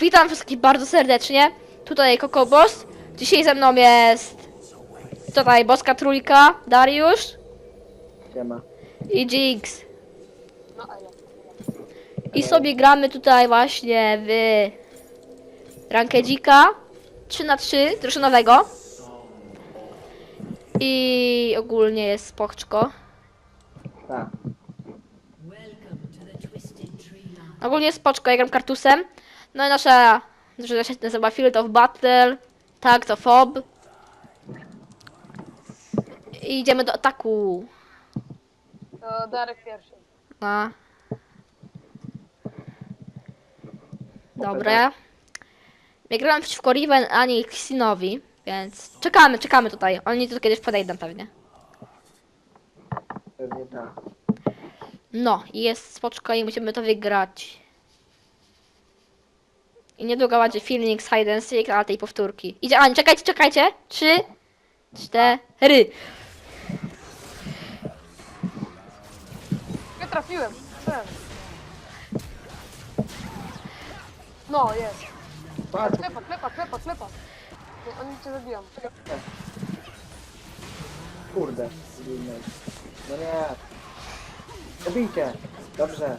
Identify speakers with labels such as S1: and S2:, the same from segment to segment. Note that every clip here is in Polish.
S1: Witam wszystkich bardzo serdecznie. Tutaj Kokobos. Dzisiaj ze mną jest tutaj Boska Trójka, Dariusz
S2: Siema.
S1: i Jinx.
S3: No ale.
S1: I sobie gramy tutaj właśnie w Rankedzika 3x3 drużynowego. I ogólnie jest spoczko.
S2: Tak.
S1: Ogólnie jest spoczko, ja gram kartusem. No i nasza drużyna się nazywa Field of Battle. Tak, to FOB. I idziemy do ataku.
S3: To Darek pierwszy.
S1: No. Dobra. Nie grałem przeciwko Riven ani Xinowi, więc czekamy tutaj. Oni tu kiedyś podejdą pewnie.
S2: Pewnie tak.
S1: No, i jest spoczko i musimy to wygrać. I niedługo będzie filmik z Hide and Seek, ale tej powtórki. Idzie, Ani, czekajcie. 3, 4.
S3: Nie trafiłem. Strzelam. No, jest.
S2: Patrz,
S3: Klepa. No, oni cię zabiją.
S2: kurde. Zginął. No nie. Zabijcie. Dobrze.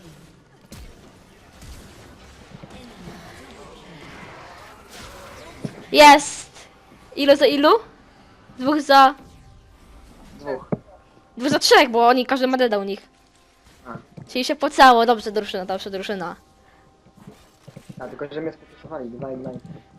S1: Jest! Ilu za ilu? Dwóch za trzech, bo oni, każdy ma deda u nich.
S2: A,
S1: Czyli się pocało, dobrze drużyna.
S2: tylko że mnie sfokusowali. 2-1.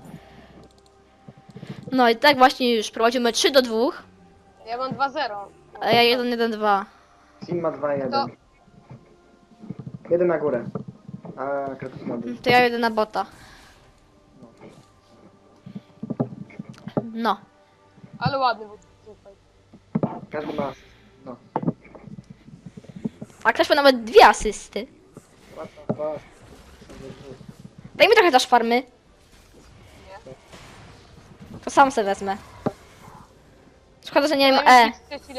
S1: No i tak właśnie już prowadzimy 3-2,
S3: Ja mam 2-0.
S1: a ja 1-1-2.
S2: Sim ma 2-1.
S3: To-
S2: Jeden na górę. A Kratos ma dół.
S1: To ja jedę na bota. No.
S3: Ale ładny był. Super.
S2: Każdy ma... No.
S1: A ktoś ma nawet 2 asysty.
S2: What the fuck?
S1: Daj mi trochę też farmy. To sam se wezmę. Szkoda, że nie wiem E.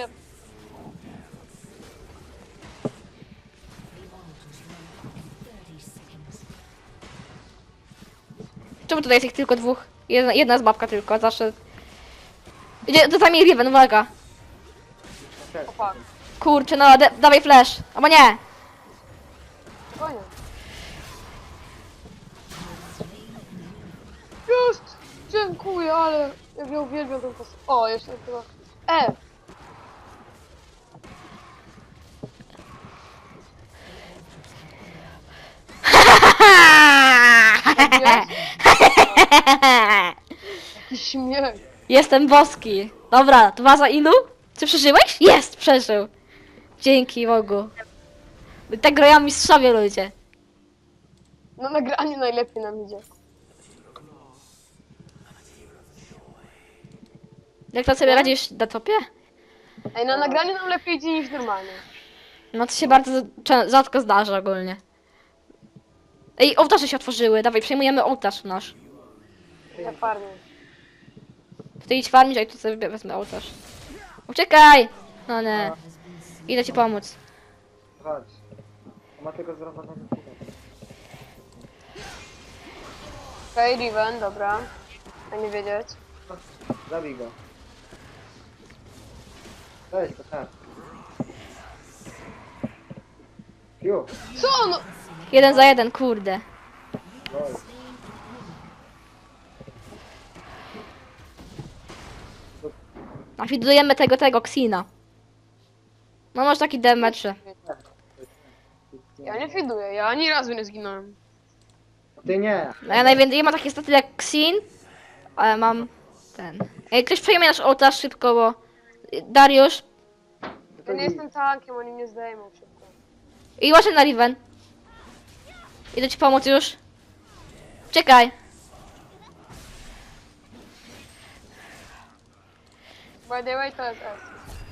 S1: Czemu tutaj jest ich tylko dwóch? Jedna z babka tylko, zawsze. Idzie, to tam Riven, uwaga.
S3: Opa.
S1: Kurczę, no, dawaj flash. Albo nie.
S3: Spokojnie. Jest! Dziękuję, ale jak ja uwielbiam ten pas. O, jeszcze chyba. Jaki śmiech.
S1: Jestem boski. Dobra, 2 za ilu? Czy przeżyłeś? Jest, przeżył. Dzięki Bogu. Tak grają mistrzowie ludzie.
S3: No nagranie najlepiej nam idzie.
S1: Jak to sobie radzisz na topie?
S3: Ej, na nagraniu nam lepiej idzie niż normalnie.
S1: No to się bardzo rzadko zdarza ogólnie. Ej, ołtarze się otworzyły. Dawaj, przejmujemy ołtarz nasz.
S3: Ja farmię.
S1: Ty idź farmić, a ja tu sobie wezmę ołtarz. Uciekaj! No nie. Idę ci pomóc.
S2: Chodź. On ma tylko zrobionego chwilę.
S3: Okej, Riven, dobra. A nie wiedzieć.
S2: Zabij go. Weź go, tak. Ju.
S3: Co no?
S1: 1 za 1, kurde.
S2: Lol.
S1: Afidujemy tego Xina. No masz taki damage.
S3: Ja nie fiduję, ja ani razu nie zginąłem.
S2: Ty nie.
S1: No ja najwięcej, ja mam takie staty jak Xin, ale mam ten. Ej, ktoś przejmie nasz ołtarz szybko, bo... Dariusz.
S3: Ja nie jestem tankiem, oni mnie zdejmą szybko.
S1: I właśnie na Riven. Idę ci pomóc już. Czekaj.
S3: By the way, to jest S.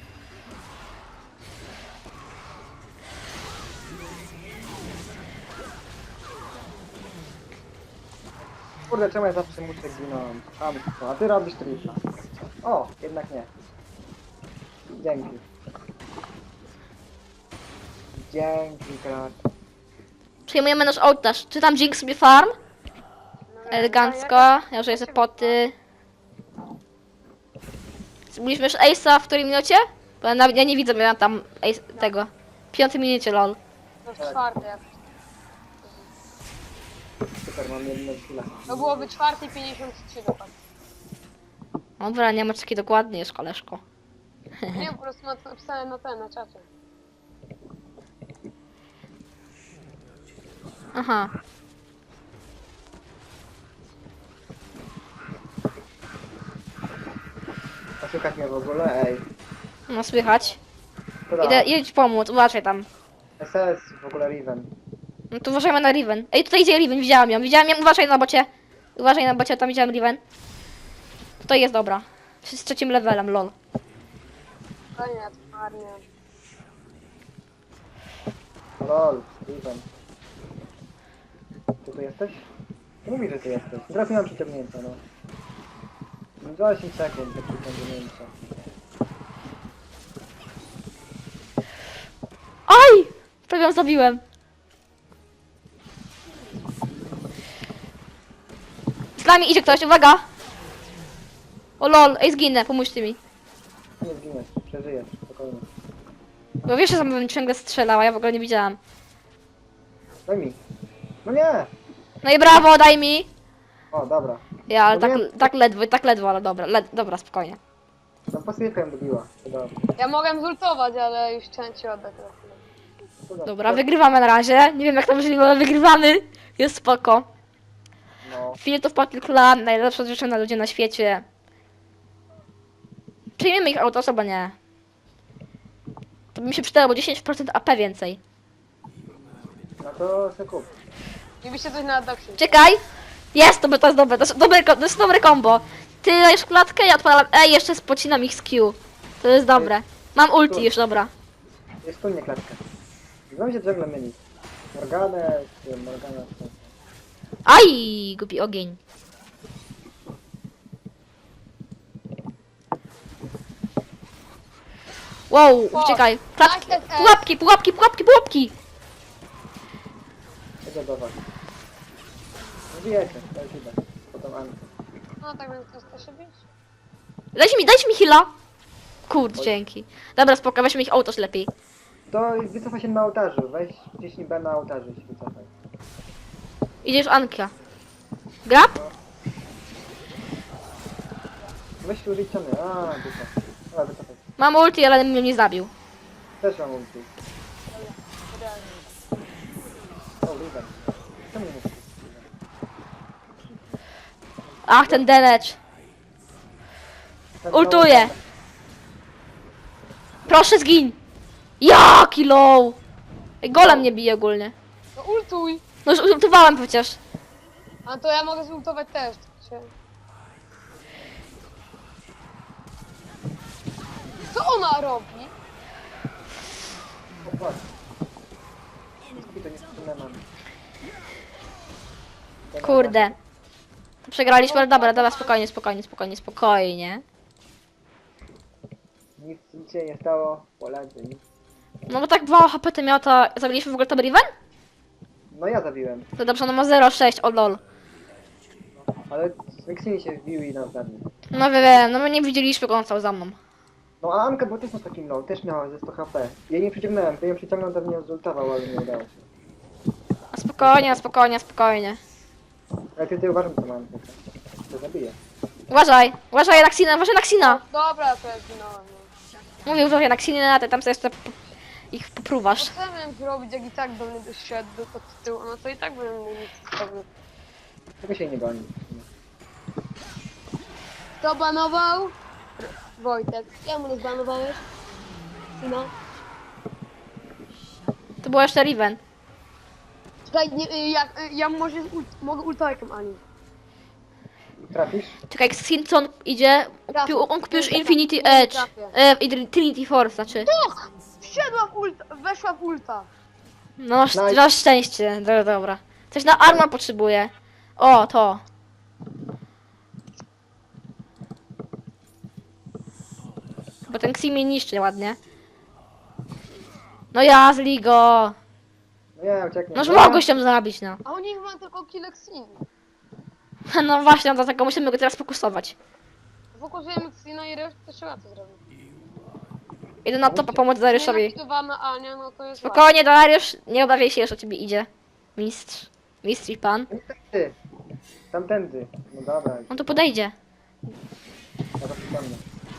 S2: Kurde, czemu ja zawsze muszę ginąć? A ty robisz tripla. O, jednak nie. Dzięki. Dzięki, Krat.
S1: Przejmujemy nasz ołtarz. Czy tam Jinx sobie farm? Elegancko. Ja użyję sobie poty. Mówiliśmy już Ace'a w której minucie? Bo ja nie widzę, miałem tam Ace, tego. W 5 minucie, lol.
S3: No w czwartej jakoś.
S2: Super, mam jedną chwilę.
S3: To byłoby 4:53 dokładnie.
S1: Dobra, nie ma takiej dokładnie już, koleżko.
S3: Nie, po prostu napisałem na czacie.
S1: Aha.
S2: Oszukać mnie w ogóle, ej.
S1: No słychać.
S2: To da.
S1: Idę ci pomóc, uważaj tam.
S2: SS, w ogóle Riven.
S1: No to uważajmy na Riven. Ej, tutaj idzie Riven, widziałam ją, uważaj na bocie. Uważaj na bocie, tam widziałem Riven. Tutaj jest dobra. Z 3 levelem, lol.
S3: Koniec, marnie.
S2: Lol, Riven. Ty tu jesteś? Mówi, że ty jesteś. Trafiłem przyciągnięcia, no. 8 sekund do przyciągnięcia.
S1: Aj! Prawie ją zabiłem. Z nami idzie ktoś, uwaga! O lol, ej zginę, pomóżcie mi.
S2: Nie zginiesz, przeżyjesz, spokojnie.
S1: Bo wiesz, że sam bym ciągle strzelała, ja w ogóle nie widziałam.
S2: Daj mi. No nie!
S1: No i brawo, daj mi!
S2: O, dobra.
S1: Ja, ale
S2: No
S1: tak ledwo, ale dobra, dobra, spokojnie.
S2: No pasyjkę ją dobiła. To dobrze.
S3: Ja mogłem zultować, ale już chciałem ci oddać na chwilę.
S2: To dobrze.
S1: Dobra, wygrywamy na razie. Nie wiem jak to możliwe, ale wygrywamy. Jest spoko.
S2: No.
S1: Filtów Pocket Clan, najlepsza dziewczyna ludzie na świecie. Przyjmiemy ich autos, albo nie. To by mi się przydało, bo 10% AP więcej.
S2: No to se kup.
S3: I byście coś na adoption.
S1: Czekaj! Jest, to jest dobre, to jest dobre combo. Ty dajesz klatkę, ja odpalam E i jeszcze spocinam ich z Q. To jest dobre. Mam ulti już, dobra.
S2: Jest tu nie klatkę. Znam się ciągle myli. Morganę, czy Morgana, czy...
S1: Aj, głupi ogień. Wow, uciekaj. Klatki, pułapki.
S2: Idę do was. Nie bijecie, to już idę. Potem Anka.
S3: No tak więc chcesz się bić?
S1: Dajcie mi heala. Kurde, dzięki. Dobra, spoko, weźmy ich autos lepiej.
S2: To wycofaj się na ołtarzu. Weź wciśnij B na ołtarzu i się wycofaj.
S1: Idziesz Anka. Grab?
S2: Weź użyć ściany. A, dupa. Dobra, wycofaj.
S1: Mam ulti, ale mnie nie zabił.
S2: Też mam ulti. O, Riven. Czemu nie mówisz?
S1: Ach, ten damage.
S2: Ten
S1: Ultuję. Proszę zgin. Jaki low. Ej, golem nie bije ogólnie.
S3: No ultuj!
S1: No już ultowałem przecież.
S3: A to ja mogę zultować też. Co ona robi?
S2: O, patrz. To nie wspólne mamy.
S1: Kurde. Przegraliśmy, ale dobra, spokojnie.
S2: Nic się nie stało. Polacy, nic.
S1: No bo tak 2 HP to miała ta... Zabiliśmy w ogóle to Riven?
S2: No ja zabiłem.
S1: To dobrze, no ma 0,6, o lol.
S2: Ale Mixini się wbił i nas zabił.
S1: No wiem, no my nie widzieliśmy go, on stał za mną.
S2: No a Anka była też na takim low, też miała ze 100 HP. Jej nie przyciągnąłem, to ją przyciągnął, to mnie zultował, ale nie udało się.
S1: Spokojnie.
S2: Ale ty uważam, co mam. To zabiję.
S1: Uważaj na Xina.
S3: Dobra, to ja zginąłem. No.
S1: Mówił, że na Xina, ty tam sobie jeszcze ich
S3: No
S1: popruwasz.
S3: co ja miałem zrobić, jak i tak do mnie doszedł od tyłu, no to i tak bym mógł nic zrobić.
S2: Tego się nie goni.
S3: Kto banował? Wojtek. Czemu nie zbanowałeś? No.
S1: To było jeszcze Riven.
S3: Czekaj, nie, ja może mogę ultojkiem Ani.
S2: Trafisz?
S1: Czekaj, jak Simpson idzie, on kupił już Infinity Edge. Trinity Force, znaczy.
S3: Wszedła w ulta, weszła w ulta.
S1: No,
S2: Nice.
S1: masz szczęście, dobra. Coś na armor potrzebuje. O, to. Bo ten Xi mnie niszczy ładnie. No ja z Ligo.
S2: No ja ucieknę.
S1: No już mogłeś tam zabić, no.
S3: A oni chyba tylko Kilexin.
S1: No właśnie, no dlatego musimy go teraz fokusować.
S3: Fokusujemy Xina i resztę trzeba co zrobić.
S1: Idę na topa pomóc Dariuszowi.
S3: Nienawidowana Ania, no to jest
S1: Spokojnie, Dariusz, nie obawiaj się, już o ciebie idzie. Mistrz. Mistrz i pan.
S2: Tamtędy. Tamtędy. No dobra,
S1: On tu podejdzie.
S2: ja to przypomnę.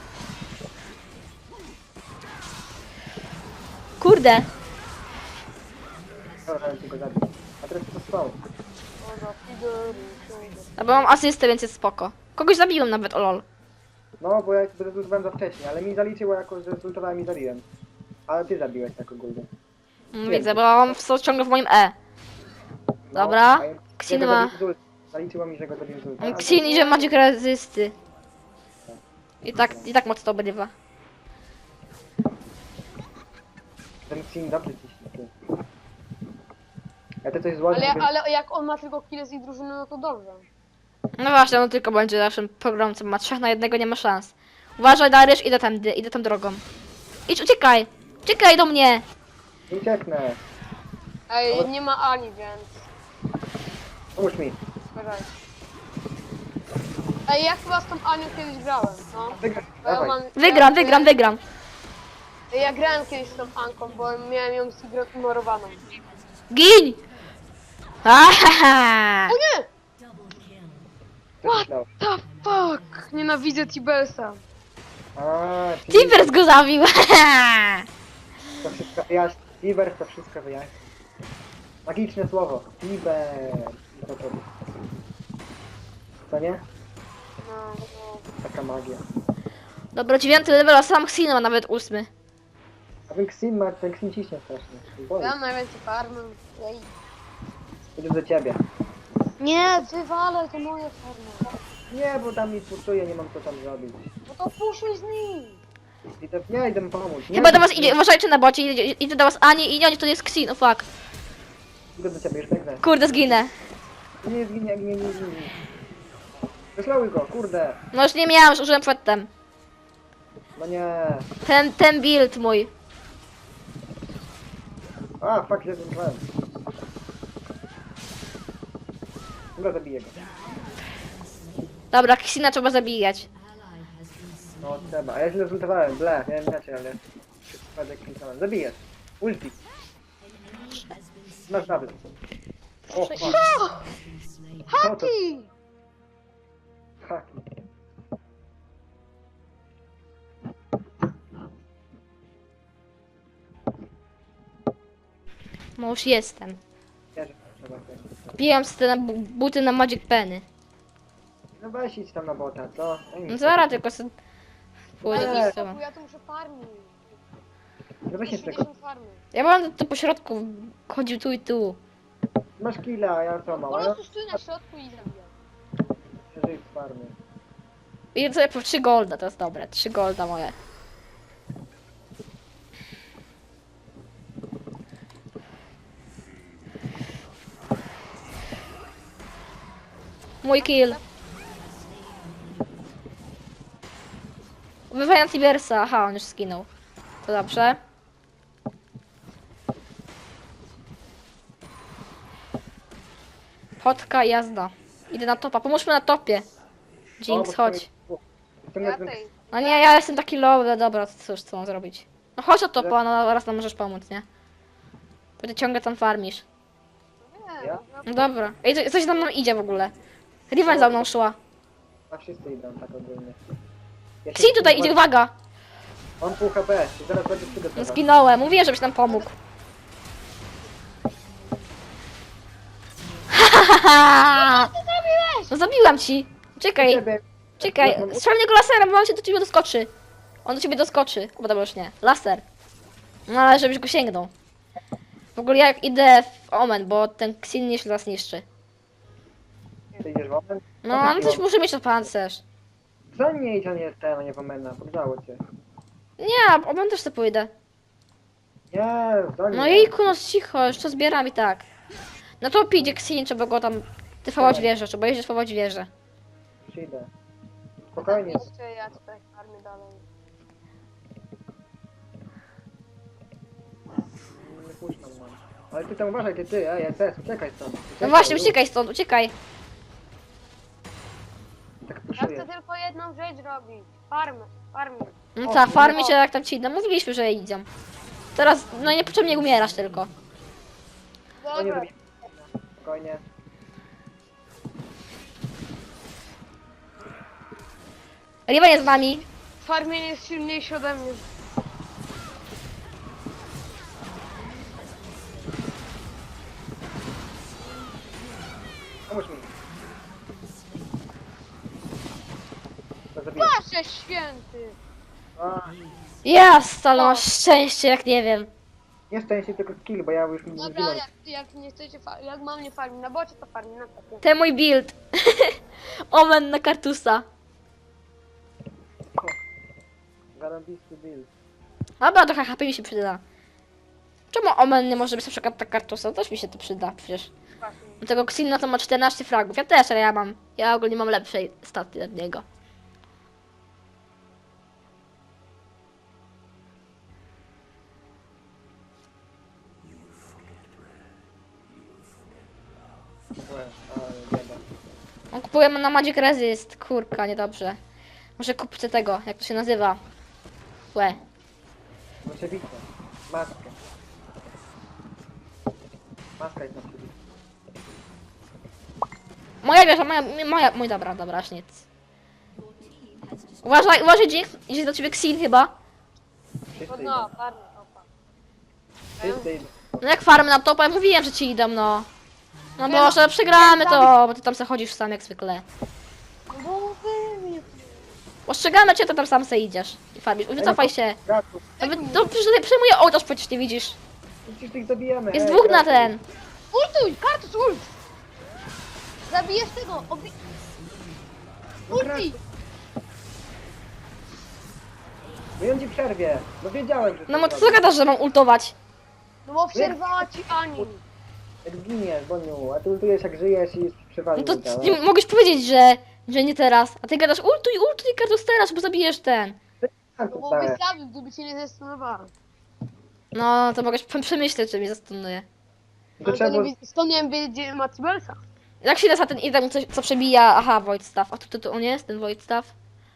S1: Kurde.
S2: Dobra, ja tylko zabić. A teraz to spał.
S3: Dobra, fidery,
S1: No bo mam asystę, więc jest spoko. Kogoś zabiłem nawet, o lol.
S2: No, bo ja zrezultowałem za wcześnie, ale mi zaliczyło jako, że zrezultowałem i zabiłem. Ale ty zabiłeś tak ogólnie.
S1: Widzę, bo on ciągle w moim E.
S2: No,
S1: Dobra.
S2: a ja-
S1: Xin
S2: ja go
S1: ma-
S2: zabiłem z ult. Zaliczyło mi, że go zabiłem z ulta. A
S1: Xin idzie Magic Resisty. I tak mocno obrywa.
S2: Ten Xin dobrze ciśnie, ty. Ja to coś złożę,
S3: ale jak on ma tylko kile z ich drużyny, no to dobrze.
S1: No właśnie, on tylko będzie naszym pogromcą. Ma 3 na 1, nie ma szans. Uważaj, Dariusz, idę tą drogą. Idź, uciekaj! Uciekaj do mnie!
S2: nie ucieknę.
S3: Ej, nie ma Ani, więc...
S2: Pomóż mi.
S3: Uważaj. Ej, ja chyba z tą Anią kiedyś grałem, no.
S2: Wygraj,
S3: Bo ja
S2: dawaj.
S3: mam-
S1: Wygram.
S3: Ja grałem kiedyś z tą Anką, bo miałem ją zignorowaną.
S1: Gin! Ahaha!
S3: O nie!
S2: Co myślał?
S3: The fuck! Nienawidzę Tibelsa.
S2: A, czyli
S1: Timbers go zabił!
S2: to wszystko wyjaśni. Tiber to wszystko wyjaśni. Magiczne słowo. Tiber. To. Co nie?
S3: No, no.
S2: Taka magia.
S1: Dobra, 9 level, a sam Xin ma nawet 8.
S2: A ten Xin ciśnie strasznie. Boli.
S3: Ja mam najwięcej farmy. Jej.
S2: Idę do ciebie.
S3: Nie, wywalę, to moje farmy.
S2: Nie, bo tam mi puszczuje, nie mam co tam zrobić.
S3: No to puszczaj z nim.
S2: Ja idę mu pomóc. Nie,
S1: Chyba do was idzie, uważajcie na bocie, idzie do was Ani i nie, to jest Xin, oh fuck.
S2: Idę do ciebie, już biegnę.
S1: Kurde, zginę.
S2: Nie zginie, nie. Wyslały go, kurde.
S1: No już nie miałem, już użyłem przedtem.
S2: No nie.
S1: Ten build mój.
S2: A, fuck, się zrywałem. Dobra, zabiję go.
S1: Dobra, Xina trzeba zabijać.
S2: No trzeba, a ja się rezultowałem, ble, miałem inaczej, ale... Przypadek kliknąłem. Zabijesz. Ulti. Masz nawet. O, fuck. Co to?
S3: Haki!
S2: Haki.
S1: No już jestem.
S2: Ja, że trzeba też.
S1: Kupiłem sobie te buty na Magic Penny.
S2: No weź idź tam na bota, co?
S1: No zaraz tylko sobie pójdę
S2: Ale-
S1: z tobą.
S3: Ja tu muszę farmić.
S2: No weź jeszcze
S3: 80 farmy.
S1: Ja bym tu po środku chodził tu i tu.
S2: Masz killa, a ja co mam?
S3: Po
S2: A ja
S3: prostu stój na środku i zabijam.
S2: żyję z farmy.
S1: I sobie po 3 golda, to jest dobre. 3 golda moje. Mój kill. Ubywając Tibersa. Aha, on już skinął. To dobrze. Chodka, jazda. Idę na topa. Pomóżmy na topie. Jinx, chodź.
S3: Ja tej.
S1: No nie, ja jestem taki low, ale dobra, to cóż, co mam zrobić? No chodź o topa, no raz nam możesz pomóc, nie? Bo ty ciągle tam farmisz.
S3: Nie,
S2: Ja?
S1: No dobra. Ej, coś za mną idzie w ogóle. Riven za mną szła.
S2: A wszyscy idą tak ogólnie. Ja się
S1: Xin tutaj idzie, uwaga!
S2: On pół HP, i zaraz będzie
S1: No
S2: przygotować.
S1: zginąłem, mówiłem, żebyś nam pomógł. No zabiłam ci. Czekaj, czekaj. Strzelnie go laserem, bo on się do ciebie doskoczy. On do ciebie doskoczy. O, dobra, już nie. Laser. No ale żebyś go sięgnął. W ogóle ja idę w Omen, bo ten Xin nieźle nas niszczy.
S2: Ty idziesz w omen?
S1: No, ale coś muszę mieć na pancerz.
S2: Za nie idź, a nie jest ten, a nie w omena, poddało cię.
S1: Nie, Omen też sobie pójdę.
S2: Nie, za nie.
S1: No jejku, no cicho, już to zbieram i tak. No to idzie Xin, trzeba go tam tyfować wieżę, trzeba jeździć tyfować wieżę.
S2: Przyjdę. Spokojnie.
S3: Jeszcze ja tutaj farmię dalej.
S2: Nie puszczam, man. Ale ty tam uważaj, ty, ej, SS, uciekaj stąd.
S1: No właśnie, uciekaj stąd, uciekaj.
S3: robić? Farmy.
S1: No
S2: O,
S1: ta,
S2: no
S1: farmi się jak tam ci idą. Mówiliśmy, że idą. Teraz, no niepotrzebnie umierasz tylko.
S2: Spokojnie
S3: Dobra,
S2: zabijemy. Spokojnie.
S1: Riven jest z nami.
S3: farmienie jest silniejszy ode mnie.
S2: Pomóż mi. To zabiję.
S3: Boże święty!
S2: A,
S1: Jest, ale masz szczęście, jak nie wiem.
S2: nie szczęście, tylko skill, bo ja już mi
S3: Dobra,
S2: zginąłem.
S3: jak nie chcecie jak mam nie farmić na bocie, to farmi na topie.
S1: Ten mój build. Omen na kartusa.
S2: Zarobisty build.
S1: Dobra, trochę HP mi się przyda. Czemu Omen nie może być na przykład na kartusa? Też mi się to przyda, przecież.
S3: Właśnie.
S1: Do tego Xilna to ma 14 fragów. Ja też, ale ja ogólnie mam lepszej staty od niego.
S2: Ale bieda.
S1: On kupujemy na Magic Resist. Kurka, niedobrze. Może kupcie tego, jak to się nazywa. Łe.
S2: Oczywiście. Maskę. Maska jest na przykład.
S1: Moja wieża, mój dobra, aż nic. Uważaj, Jinx, idzie do ciebie Xin chyba.
S2: Wszyscy idą.
S3: No, farmi topa.
S2: Wszyscy idą.
S1: No jak farmy na topa, ja mówiłem, że ci idą, no. No Boże, przegramy to, bo ty tam se chodzisz sam jak zwykle.
S3: No bo wy mnie...
S1: Ostrzegamy cię, to tam sam se idziesz. I farmisz. Wycofaj się.
S2: Gaku.
S1: To przejmuję ołtarz, przecież nie widzisz.
S2: Przecież tych zabijemy.
S1: Jest
S2: ej,
S1: dwóch na
S2: gaku.
S1: ten.
S3: Ultuj! Kartus ult! Zabijesz tego!
S2: No
S3: Ulti!
S2: No i on ci przerwie. No wiedziałem, że
S1: No bo
S2: to
S1: co
S2: zrobi.
S1: gadasz, że mam ultować?
S3: No bo przerwała ci Ani.
S2: Jak zginiesz, Boniu, a ty ultujesz jak żyjesz i przewalił
S1: No to
S2: działa.
S1: nie mogłeś powiedzieć, że nie teraz. A ty gadasz ultuj Kartus teraz, bo zabijesz ten.
S3: No bo byś zabił, gdyby cię nie zastanawiała.
S1: No to mogłeś przemyśleć, czy mnie zastanuje.
S2: To
S3: Ale to
S2: trzeba...
S3: nie skąd nie wiem, gdzie ma Cibelsa.
S1: Jak się nazywa ten item, co przebija? Aha, Void Staff. A tu on jest, ten Void Staff?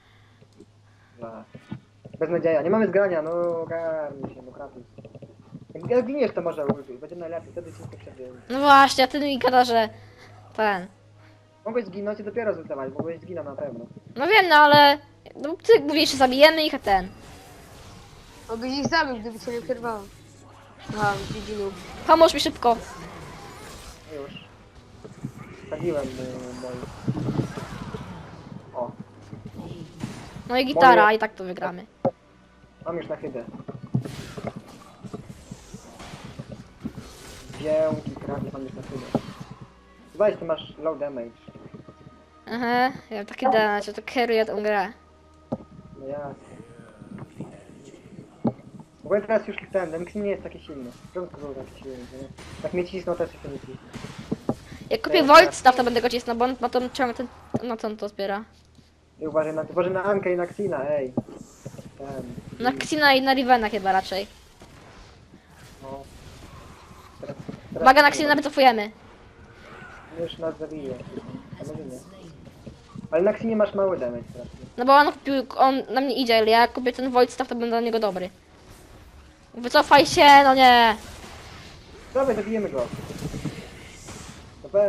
S2: Beznadzieja, nie mamy zgrania, no ogarnij się, no Kratus. Jak zginiesz, to może ultuj, będzie najlepiej, wtedy ci nie przerwie.
S1: No właśnie, a ty mi gada, że ten.
S2: Mogłeś zginąć i dopiero zultować, mogłeś zginąć na pewno.
S1: No wiem, no ale no, ty mówisz, że zabijemy ich, a ten.
S3: No byś ich zabił, gdyby cię nie przerwała. Aha, widzinu.
S1: Pomóż mi szybko.
S2: Już. Zabiłem mój... O,
S1: No i gitara,
S2: Moje-
S1: i tak to wygramy.
S2: mam już na chybę. Dzięki, Kratus, mam już na chybę. Weź, ty masz low damage.
S1: Aha, ja mam taki damage, to kieruję tą grę.
S2: No jasne. W ogóle teraz już ten Xi nie jest taki silny. W początku był taki silny, nie? Tak mnie cisnął, też się nie cisnął.
S1: Jak kupię Void Staff, to będę go cisnął, bo on ma tą ciągle ten... No co on to zbiera?
S2: I uważaj na Ankę i na Xina, ej. Ten.
S1: Na Xina i na Rivena chyba raczej.
S2: No. Teraz,
S1: Uwaga, na Xina wycofujemy.
S2: Już nas zabije. A może nie. Ale na Xinie masz mały damage teraz.
S1: No bo on na mnie idzie, ale jak kupię ten Void Staff, to będę na niego dobry. Wycofaj się, no nie.
S2: Dawaj, zabijemy go. No weź.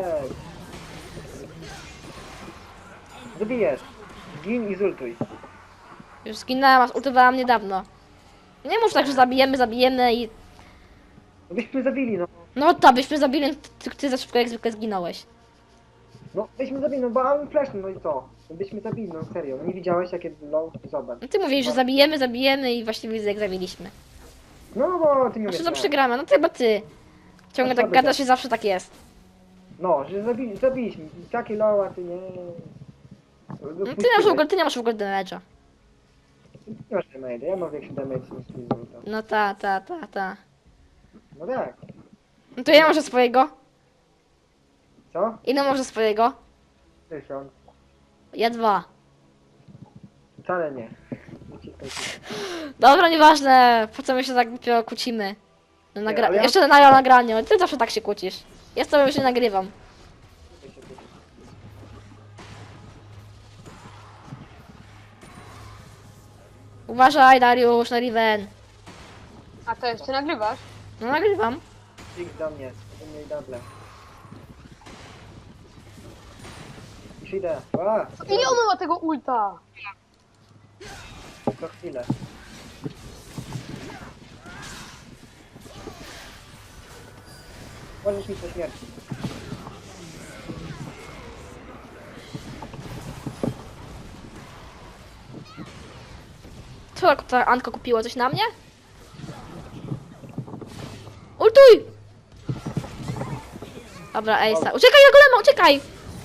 S2: Zabijesz. Zgin i zultuj.
S1: Już zginęłam, aż ultowałam niedawno. Nie mów tak, że zabijemy i...
S2: No byśmy zabili, no.
S1: No to byśmy zabili, ty za szybko jak zwykle zginąłeś.
S2: No byśmy zabili, no bo mam flash, no i co? No byśmy zabili, no serio. No nie widziałeś jakie low? Zobacz.
S1: No ty mówisz, że zabijemy i właściwie widzę jak zabiliśmy.
S2: No bo ty nie
S1: A
S2: umiesz
S1: co to
S2: grać.
S1: przegramy? No to chyba ty. Ciągle
S2: A
S1: tak
S2: słaby
S1: gadasz
S2: to.
S1: i zawsze tak jest.
S2: No, że zabiliśmy. Takie low, a ty nie.
S1: No ty nie masz w ogóle damage'a.
S2: Nie masz damage, ja mam większy damage niż ty zulta.
S1: No ta.
S2: No tak.
S1: No to ja może swojego.
S2: Co?
S1: Ile może swojego?
S2: 1000.
S1: Ja 2.
S2: Wcale nie. Wyciskaj się.
S1: Dobra, nieważne. Po co my się tak głupio kłócimy? No,
S2: Nie, ale ja-
S1: Jeszcze na nagraniu. Ty zawsze tak się kłócisz. Ja z tobą już nie nagrywam. Uważaj, Dariusz, na Riven.
S3: A to jeszcze nagrywasz?
S1: No nagrywam.
S2: Idź do mnie, do mnie i doble. Już idę. A,
S3: Ile ona ma tego ulta?
S2: to chwilę. Możesz mi po śmierci.
S1: Co ta Anka kupiła? Coś na mnie? Ultuj! Dobra, Ejsa. Uciekaj na golema, uciekaj!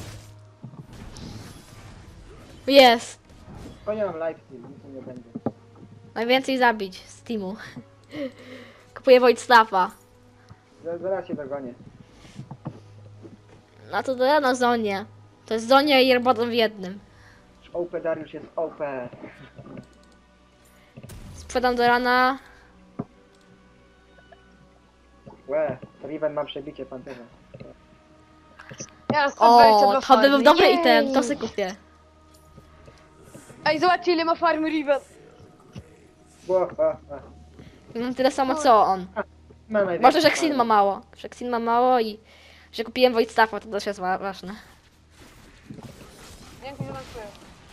S1: Jest.
S2: Konia mam lifesteal, nic mi nie będzie.
S1: Najwięcej zabić z teamu. Kupuję Wojtstafa.
S2: Zaraz się dogonię.
S1: No to ja na zonie. To jest zonia i Airbotom w jednym.
S2: OP Dariusz jest OP.
S1: Sprzedam do rana.
S2: Łe, Riven ma przebicie pancerza.
S3: Ja mam 122
S1: O, to by
S3: farmy.
S1: był dobry
S3: Jej!
S1: item, to sobie kupię.
S3: Ej, zobaczcie ile ma farmy Riven.
S1: Mam tyle samo co on.
S2: Ma najwięcej
S1: Może, że Xin
S2: farmy.
S1: ma mało. Że Xin ma mało i że kupiłem Wojtstafa, to też jest ważne.
S3: Dzięki, że dziękuję.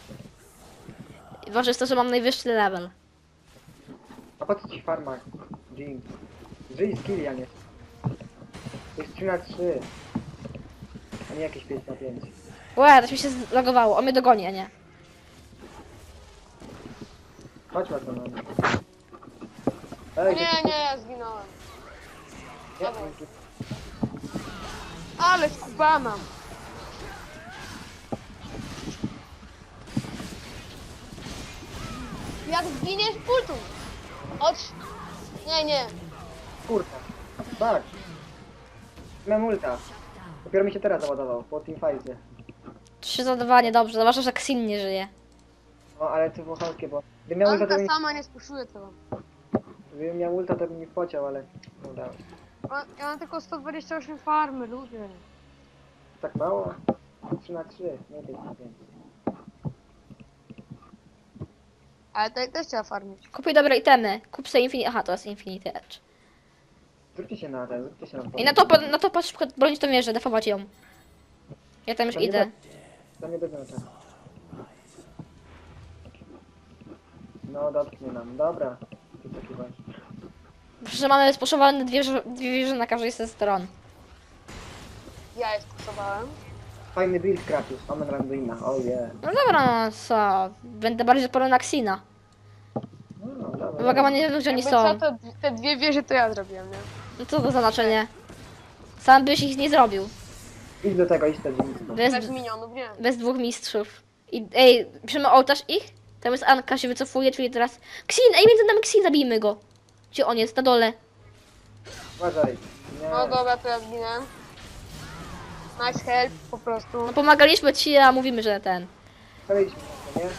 S1: I ważne jest to, że mam najwyższy level.
S2: A po co ci farma? Jim. Żyj z Kilian jest. To jest 3 na 3. A nie jakieś 5 na 5.
S1: Łe, to mi się zlogowało. On mnie dogoni, a nie.
S2: Chodź na to no.
S3: O
S2: Ej,
S3: nie, ja zginąłem.
S2: nie,
S3: Ale skubana. Jak zginiesz, pultuj. Chodź. Nie.
S2: kurwa. Tak. Mam ulta. Dopiero mi się teraz załadował, po teamfightie.
S1: 3 za 2, niedobrze. Zwłaszcza, że Xin nie żyje.
S2: No ale to było chamskie, bo gdybym miał ulta, to
S3: Anka
S2: bym,
S3: sama nie spuszuje tego.
S2: gdybym miał ulta, to bym mi wpociał, ale nie udało się.
S3: Ja mam tylko 128 farmy, ludzie.
S2: Tak mało? 3 na 3, nie 5 na 5.
S3: Ale to też trzeba farmić.
S1: Kupuj dobre itemy. Kup sobie Infinity... Aha, to jest Infinity Edge.
S2: Zróbcie się na ten, zróbcie się na
S1: I na to szybko bronić to mierze, defować ją. Ja tam już
S2: To nie
S1: idę.
S2: To nie będzie na czas. No dotknie nam, dobra. Ty taki masz.
S1: Że mamy spuszowane dwie wieże na każdej ze stron.
S3: Ja je stosowałem.
S2: Fajny build Kratos, Omen Randuina, oh yeah.
S1: No dobra, no co? Będę bardziej odporny na Xina.
S2: No dobra.
S1: Uwaga, ma nie wiem, gdzie oni
S3: Jakby
S1: są.
S3: co, to te dwie wieże to ja zrobiłem, nie?
S1: No co to za znaczenie? Sam byś ich nie zrobił.
S2: Idź do tego, idź do dzielnicy.
S3: Bez minionów, nie.
S1: Bez dwóch mistrzów. I ej, piszemy ołtarz ich? Tam jest Anka, się wycofuje, czyli teraz... Xin! Ej, między nami Xin, zabijmy go! Gdzie on jest? Na dole.
S2: Uważaj. Nie.
S3: No dobra, to ja zginę. Nice help, po prostu.
S1: No pomagaliśmy ci, a mówimy, że ten...
S2: Przejdźmy na to, nie?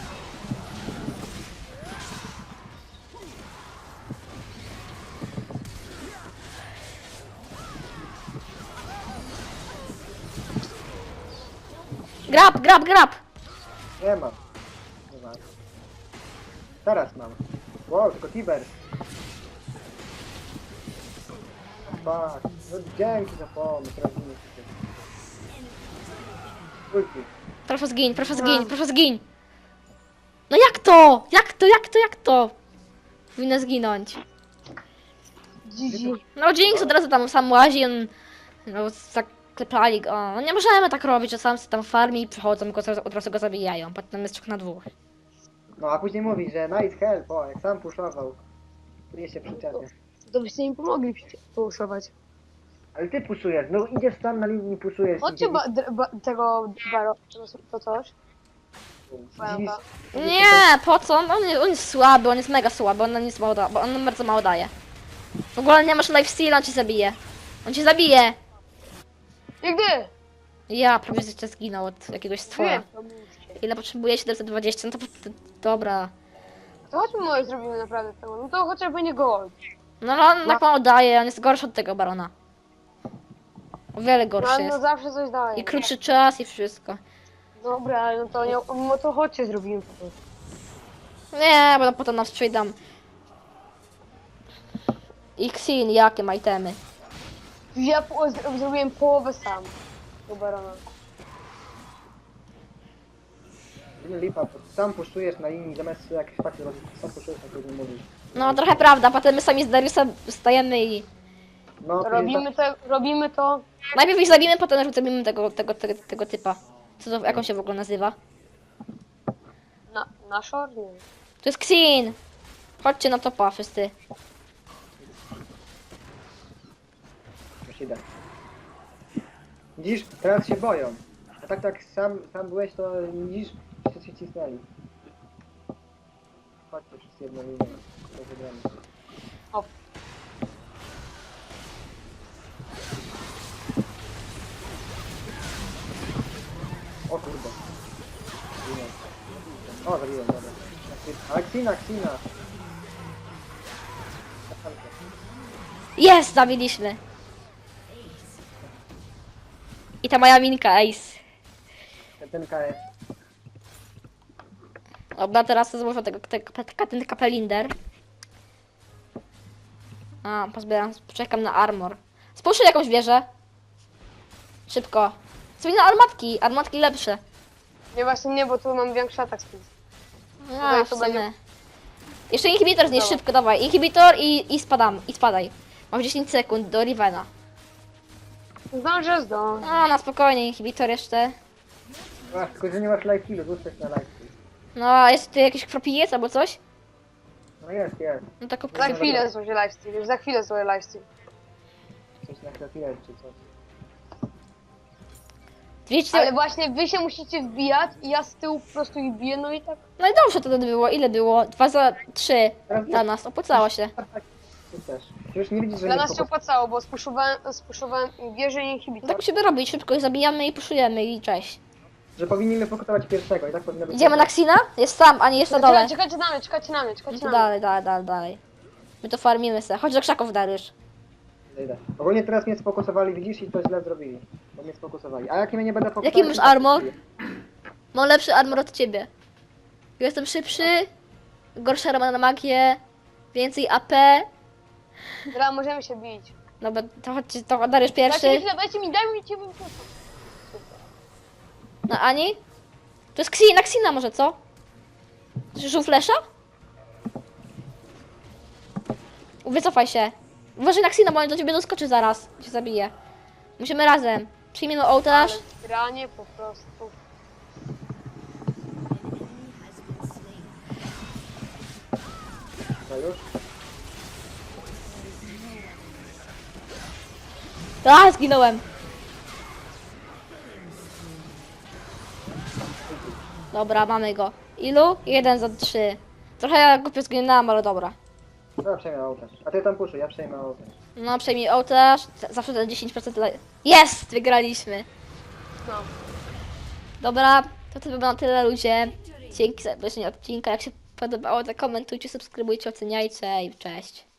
S1: Grab, grab, grab!
S2: Nie mam. Nie mam. Teraz mam. Wow, tylko Tiber. Fuck. No dzięki za pomysł, robimy się. Ulti.
S1: Proszę zgiń, proszę zgiń, proszę zgiń! No jak to? Jak to? Powinna zginąć.
S3: GG.
S1: No Jinx od razu tam sam łazi, on... No zaklepali go. No nie możemy tak robić, że sam sobie tam farmi i przychodzą i od razu go zabijają. Potem jest 3 na 2.
S2: No a później mówi, że nice help, o, jak sam puszował. Nie się przyczepia.
S3: To byście im pomogli puszować.
S2: Ale ty puszujesz, no idziesz tam na linii, puszujesz.
S3: Chodźcie tego baro, to coś.
S2: Dziwisz,
S1: Nie, po co? On jest słaby, on jest mega słaby, on nic mało da, bo on bardzo mało daje. W ogóle nie masz lifesteal, on ci zabije. On cię zabije!
S3: Nigdy!
S1: Ja prawie jeszcze zginął od jakiegoś stwora.
S3: Wiem, to mówcie.
S1: Ile potrzebuję? 720, no to dobra.
S3: To chodźmy może zrobimy naprawdę tego. No to chociażby nie gold.
S1: No ale on tak mało daje, on jest gorszy od tego barona. O wiele
S3: No,
S1: gorszy
S3: ale no
S1: jest.
S3: zawsze coś daje.
S1: I krótszy czas i wszystko.
S3: Dobra, ale no to nie, no to chodźcie zrobimy po prostu.
S1: Nie, bo potem nam sprzedam. Xin, jakie ma itemy?
S3: Ja zrobiłem połowę sam. Do barona.
S2: Lipa, bo sam puszczujesz na linii, zamiast jakieś fakty robić, sam puszczujesz, na którym mówisz.
S1: No trochę prawda, potem my sami z Dariusem stajemy i...
S2: No, to
S3: Robimy to.
S1: Najpierw ich zabijemy, potem zabijemy tego typa. Co to, jak on się w ogóle nazywa?
S3: Na short? Nie.
S1: To jest Xin! Chodźcie na topa wszyscy.
S2: już idę. Widzisz, teraz się boją. A tak sam byłeś, to widzisz, wszyscy się cisnęli. Chodźcie wszyscy jedną linią. To wygramy.
S3: O.
S2: O kurde. Zginął. O, zabiłem, dobra. Ale Xina.
S1: Jest! Zabiliśmy! I ta moja minka, ace.
S2: Ten KS.
S1: Dobra, teraz złożę ten kapelinder. A, pozbieram, czekam na armor. Spójrz jakąś wieżę. Szybko. Sobie na armatki lepsze.
S3: Nie, właśnie nie, bo tu mam większy atak speed.
S1: A, w
S3: to
S1: sumie.
S3: będzie-
S1: Jeszcze inhibitor znieś
S3: Dobra.
S1: szybko, dawaj. Inhibitor i spadaj. Mam 10 sekund do Rivena.
S3: Zdążę.
S1: A, na spokojnie, inhibitor jeszcze.
S2: Ach, tylko że nie masz life killu, rzucać na life kill.
S1: No, a jest tu jakiś kropijec albo coś?
S2: No jest.
S1: No tak
S3: Za chwilę złożę lifesteal, już za chwilę złożę lifesteal.
S2: Coś na chwilę czy coś.
S1: Wiecie,
S3: Ale właśnie wy się musicie wbijać i ja z tyłu po prostu ich biję, no i tak.
S1: no i dobrze to było. Ile było? 2 za 3 dla nas. Opłacało się.
S2: Ty też. Już nie widzisz, że
S3: Dla
S2: nie
S3: nas się opłacało, bo spuszowałem wieżę i
S1: No
S3: inhibitor.
S1: tak musimy robić. Szybko ich zabijamy i puszujemy i cześć.
S2: że powinniśmy pokonać pierwszego i tak powinno być.
S1: Idziemy na Xina? Jest tam, a nie jest na dole.
S3: Czekajcie na mnie, czekajcie na mnie,
S1: No
S3: czekajcie
S1: to
S3: na mnie.
S1: dalej. My to farmimy se. Chodź do krzaków, Dariusz.
S2: Idę. Ogólnie teraz mnie sfokusowali, widzisz, i to źle zrobili. Bo mnie sfokusowali. A jak mnie nie będę fokusował...
S1: Jaki masz
S2: to tak
S1: armor?
S2: zrobię.
S1: Mam lepszy armor od ciebie. Jestem szybszy, gorsza rama na magię, więcej AP.
S3: Dobra, możemy się bić.
S1: Dobra, to chodźcie, to Dariusz
S3: Dajcie mi
S1: pierwszy.
S3: chwilę, dajcie mi cię Super.
S1: Na Ani? To jest na Xina może, co? Żół flesza? Wycofaj się. Uważaj na Xina, bo on do ciebie doskoczy zaraz. Cię zabije. Musimy razem. Przyjmiemy ołtarz.
S3: Ale granie po prostu.
S2: No już?
S1: A, zginąłem. Dobra, mamy go. Ilu? 1 za 3. Trochę głupio zginęłam, ale dobra.
S2: No, przejmę ołtarz. A ty tam puszuj, ja przejmę ołtarz.
S1: No, przejmij ołtarz. Zawsze te 10% dla... Jest! Wygraliśmy.
S3: No.
S1: Dobra, to by było na tyle, ludzie. Dzięki za obejrzenie odcinka. Jak się podobało, to komentujcie, subskrybujcie, oceniajcie i cześć.